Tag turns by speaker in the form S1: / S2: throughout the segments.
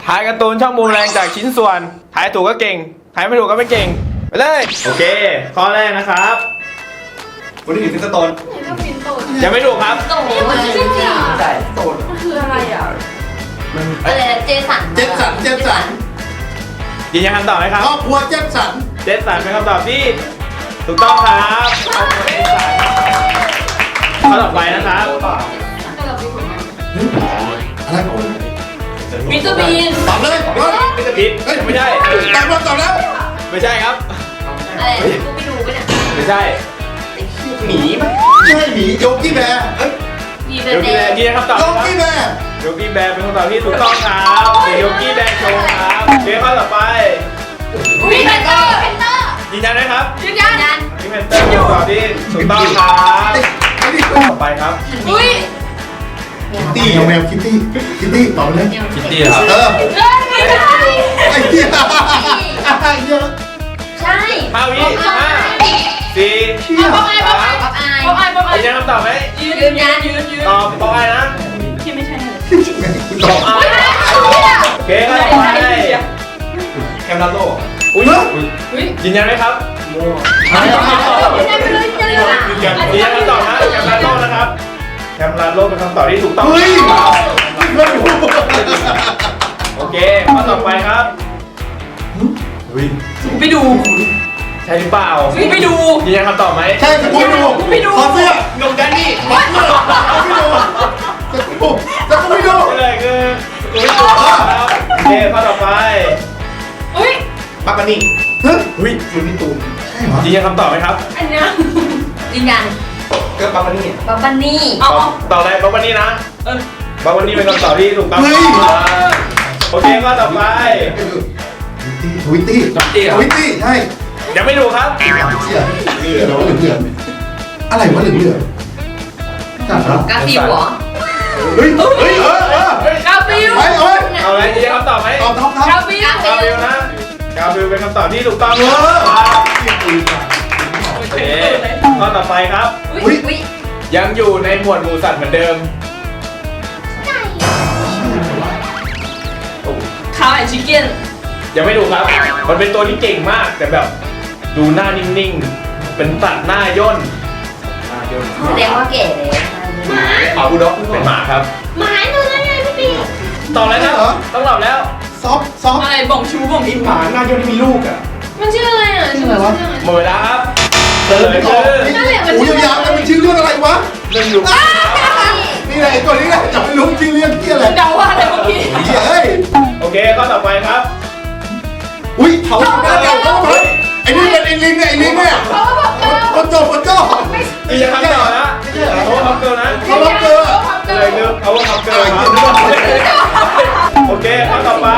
S1: ทายการ์ตูนช่องบูมแรงจากชิ้นส่วนทายถูกก็เก่งทายไม่ถูกก็ไม่เก่งไปเลยโอเคข้อแรกนะครับคุณที่ถึงฟิสโตนยังไม่ถูกครับ
S2: โตมันจริงๆอ่ะ
S3: ใช่โตน
S2: คืออะไรอ่ะ
S4: อะไรเจสัน
S3: เจสัน
S1: ยืนยันคำตอบไหมครับ
S3: ครอบครัวเจสัน
S1: เจสันเป็นคำตอบที่ถูกต้องครับข้อต่อไปนะครับ
S3: อะไรของ
S2: มิสเตอร์บีน
S3: ตอบเลยว่า
S1: ไม่ใช่พิษไม่ใช่
S3: ตอบแล้ว
S1: ไม่ใช่ครับ
S4: อะไรกูไม่ดูปะเนี่ย
S1: ไม่ใช่
S3: หมีไหมใช่หมีโยกี้แบร์
S4: มี
S1: โย
S4: เบอร์
S1: กี้
S4: เด
S1: แบร์
S4: ย์
S1: ยืนยันคำตอบ
S3: โย
S1: ครับ
S3: กี้แบร์
S1: โยกี้แบร์เป็นคำตอบที่ถูกต้องครับโยกี้แบร์โชว์ครับโอเคข้อต่อไป
S2: วินเตอร์
S1: ยืนยันนะครับ
S4: ยืนยัน
S1: พี่เมนเตอร์เป็นคำตอบที่ถูกต้องครับต่อไปครับ
S2: อุ้ย
S3: ตี้แมวคิตตี้ตอบเลย
S1: คิตตี้ครับ
S2: ไม่ได้
S3: ไอ้เหี้ยเยอะ
S4: ใช่
S1: 5 วิ 5 4
S3: เชี่ย
S2: ป๊อปไอป๊อปไอ
S4: ป๊อปอาย
S2: ป๊อปไอป๊อปไอ
S1: ยืนยันคำตอบไหม
S2: ยืนยันยืน
S1: ตอบบอกอะไรนะ
S2: ที่ไม่ใช่เลย
S3: ตอบ
S1: โอเคข้อต่อไปแคมราโลอุ้ยยืนยันไหมครับ
S2: ยืนยันไปเลยยืนยันเลย
S1: ยืนยันคำตอบนะแคมราโลนะครับแคมราโลเป็นคำตอบที่ถูกต้อง
S3: เฮ้ยไม่รู้
S1: โอเคข้อต่อไปครับ
S2: ไปดู
S1: ใช่หรือเปล่า
S2: ไปดู
S1: ยืนยันคำตอบไหม
S3: ใช่สกูไม่ดูขอเสื้อ
S1: หนุ่มแดนนี่
S3: ขอเสื้อไม่ดูสกูไม่ดู
S1: เลยคือถูกต้องครับโอเคข้อต่อไป
S2: อุ้ย
S3: ปักกันนี่เฮ้ยอยู่นี่ตูนใช่เหรอ
S1: ยืนยันคำตอบไหมครับ
S2: อันเนี้ย
S4: ยืนยัน
S3: ก็ปักกันนี่
S4: ป๊อปบันนี่
S2: เอา
S1: ตอบอะไรบอกวันนี้นะบอกวันนี้เป็นคำตอบที่ถูกต้องโอเคข้อต่อไป
S3: ทวิตตี้ใช่
S1: ยังไม่ถูกครับ
S3: เชี่ยเหลืออะไรวะเหลือจัดเหรอก
S4: าฟิวเหรอ
S3: เฮ้ย
S2: กาฟิว
S3: ไปเอ้ย
S1: เอาอะไรยืนยันคำตอบไหม
S3: ตอบท็อป
S2: กาฟิว
S1: กาฟิลนะกาฟิลเป็นคำตอบที่ถูกต้องครับโอเคข้อต่อไปครับ
S4: อุ้ย
S1: ยังอยู่ในหมวดหมู่สัตว์เหมือนเดิม
S2: ข้าวแอนชิคเก้น
S1: ยังไม่ถูกครับ มันเป็นตัวที่เก่งมาก แต่แบบดูหน้านิ่งๆ เป็นสัตว์หน้าย่น
S4: แสดงว่าเก๋เลย
S1: อาบูด็อกเป็นหมาครับ
S2: หมาดูได้ไงพี่ปี
S1: ตอบแล้วนะต้องตอบแล้ว
S3: ซอฟ
S2: อะไรบ่งชูบ่งชู
S3: หมาหน้าโยนมีลูกอ่ะ
S2: มันชื่ออะไรอ่ะ
S3: ชื่ออะไรวะ
S1: หมดเวลาครับเฉลย
S3: ต
S1: คือ
S3: หูยาวๆแล้วมันชื่อเรื่องอะไรวะ
S1: เรื่องอยู่
S3: นี่แหละไอ้ตัวนี้แหละจะไม่รู้ชื่อเรื่องที่อะไร
S2: เดาว่าอะไรเมื่อกี้
S3: เฮ้ย
S1: โอเคข้อต่อไปครับ
S3: อุ้ยเขาไอ้นี่เป็นไอ้ลิงเนี่ยไอ้ลิงเนี่ยคนโจ
S1: มีจะคำตอบนะเขาว่าคำเกินนะ
S3: เขาล็อกเกอร์
S1: เฉลยคือเขาว่าคำเกินครับโอเคข้อต่อไป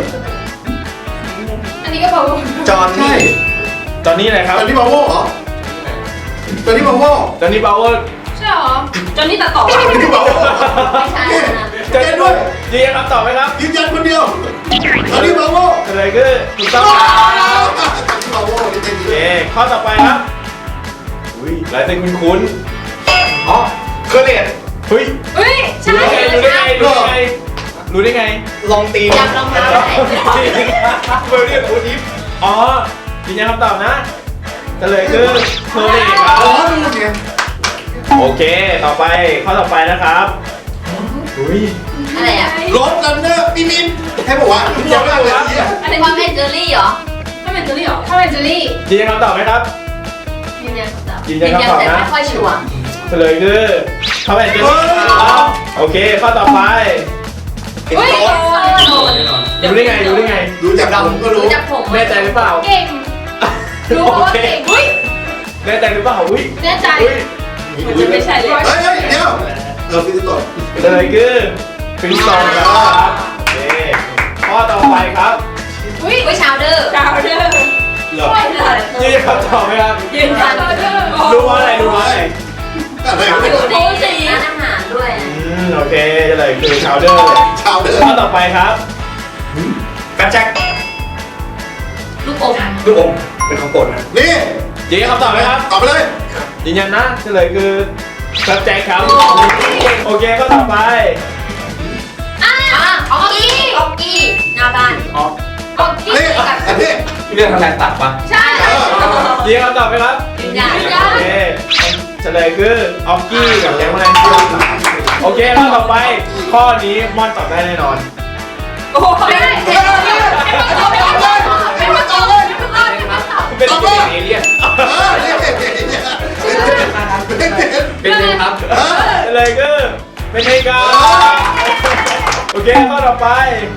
S2: อันนี้ก็บอกว่า
S3: จอนใช่
S1: ตอนนี้อะไรครับ
S3: จอนนี่บาโว่เหรอจอนนี่บาโว่
S1: ตอนนี้บาวเวอร์
S2: ใช่หรอจอนนี่ตัดต่อ
S3: จอนนี่บาโว่
S4: ไม่ใช่นะ
S3: เจนด้วย
S1: ยืนยันคำตอบไหมครับ
S3: ยืนยันคนเดียวจอนนี่บาโว่
S1: เฉลยคือถูกต้องครับ
S3: จอนนี่บาโว่จริง
S1: โอเคข้อต่อไปครับอุ้ยลายเซ็นคุ้น
S3: อ๋อเคอร์เรต
S1: ๆเฮ้ย
S2: เฮ้ยใช่
S1: รู้ได้ไงรู้ได้ไงรู้ได้ไง
S3: ลองตี
S4: จับรองเท้าไหน
S3: เบอร์เรียกโอทิฟ
S1: อ๋อยืนยันคำตอบนะเฉลยคือเทอร์เรคครั
S3: อ๋อบ ดูเนี่ย
S1: โอเคต่อไปข้อต่อไปนะครับอุ้ย
S4: อะไรอ่ะ
S3: รถลันเนอร์ปีมินให้บอกว่าทุกคนอะไรเนี่ย
S4: อันนี้ว่าเป็นเจอรี่เหรอ
S2: ถ้าเป็นเจอรี่เหรอถ้าเป็นเจอรี่
S1: ยืนยันคำตอบไหมครับ
S4: ยืนยันคำตอบ
S1: ยืนยันคำตอบ
S4: แต่
S1: นะ
S4: ไม่ค่อยชัวร์
S1: เฉลยคือเขาเป็นเจนครับโอเคข้อต่อไป
S2: เฮ้ย
S1: รู้ได้ไงรู้ได้ไง
S3: รู้จักผมก็รู้
S4: รู้จักผม
S1: แน่ใจหรือเปล่า
S2: เก่งรู้ว่าเก่งเฮ้ย
S1: แน่ใจหรือเปล่าอุ้ย
S2: แน่ใจ
S1: อุ้ย
S2: มันจะไม่ใช่เลย
S3: เฮ้ยเดี๋ยวฟิสิโตะ
S1: เฉลยคือฟินซอนครับโอเคข้อต่อไปครับ
S2: อุ้ย
S4: อุ้ยชาวเดอร์
S2: ดาวเดอร์
S3: เหรอ
S2: ไม่เลย
S1: ยืนยันคำตอบไหมครับ
S4: ยืนยัน
S2: ดาวเดอร์
S1: รู้ว่าอะไรรู้ว่าอะไร
S3: อะไร
S4: อยู่ในร้านอาหารด้วย
S1: โอเคเฉลยคือชาวเดอร์
S3: ชาวเดิน
S1: ข้อต่อไปครับ
S3: กระแจก
S4: ลูกอม
S3: ลูกอมเป็นของโปรดนะนี่
S1: ยืนยันคำตอบไหมครับ
S3: ตอบไปเลย
S1: ยืนยันนะเฉลยคือซับแจ็คครับโอเคข้อต่อไป
S4: ออกกี้น้อาบ้าน
S1: ออก
S2: ออกกี้
S3: นี่
S2: กับ
S3: อันนี้
S1: เรื่องอะไรตัดปะ
S2: ใช่
S1: ยิงคำตอบไหมครับ
S4: ยืนยัน
S1: โอเคเฉลยคือออกกี้กับแก๊งแมลงสาบโอเคข้อต่อไป ข้อนี้ม่อนตอบได้แน่นอน
S2: โอ้โหไม่ได้ไม่ได้ไม่ได้ไม่ได้ไม่ได้
S1: เป็นเอเลี่ยน
S3: นี่
S1: เป็นเลยครับเฉลยคือเป็นเอกาโอเคข้อต่อไป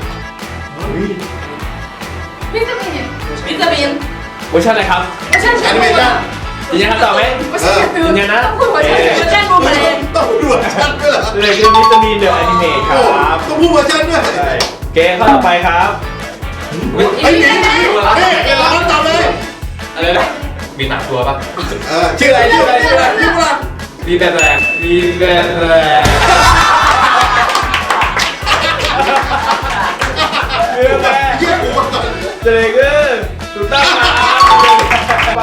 S2: วิตามิน
S4: วิตามิน
S1: เวอร์ชันอะไรครับ
S2: ไม่ใช่
S3: แอนิเมชั่น
S1: ยืนยันคำตอบไหม
S2: ไม่ใช่
S1: ยืนยันนะ
S2: ต้องพูดว่าใช่
S4: เวอร์ชันบูมเบรน
S3: ต้องพูดเวอร์ชันด้วยเหรอ
S1: เฉลยคือวิตามินเดอะแอนิเมทครับ
S3: ต้องพูดเวอร์ชันด้วย
S1: ใช่เกมข้อต่อไปครับ
S3: ไอ้นี่นี่เราตอบเลย
S1: อะไรนะมีหนักตัวปะ
S3: ชื่ออะไรชื่ออะไรชื่ออะไรชื่ออะไร
S1: รีแบรนด์แรงรีแบรนด์แรง เรื่องแรก
S3: เยี่ยมหัวก่อน
S1: เจเลยคือถูกต้องครับไป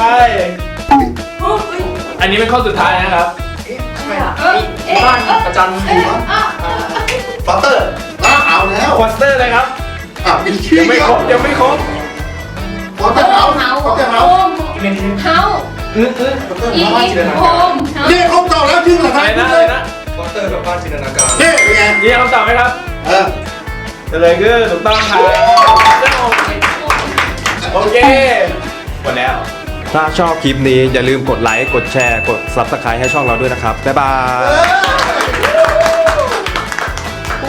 S1: อันนี้เป็นข้อสุดท้ายนะครับ
S3: บ้านประจันหัวฟอสเตอร์เอาแล้ว
S1: ควอสเตอร์เลยครับ
S3: มีชื่อ
S1: ยังไม่ครบยังไม่ครบ
S3: ฟอสเตอร์เฮาฟอสเตอร์เฮา
S2: เฮา
S1: อื้อ
S2: อีโฮม
S3: นี่ครบต่อแล้วชื่ออะไร
S1: อะไรนะ
S3: เล
S1: อะไร
S3: ย
S1: นะ
S5: วอเตอร์กับบ้านจินตนาการ
S3: นี่เป็นไง
S1: นี่คำตอบไหมครับ เจเลยคือถูกต้องครับโอเคหมดแล้ว
S5: ถ้าชอบคลิปนี้อย่าลืมกดไลค์ กดแชร์ กด Subscribe ให้ช่องเราด้วยนะครับ บ๊ายบาย
S3: เออ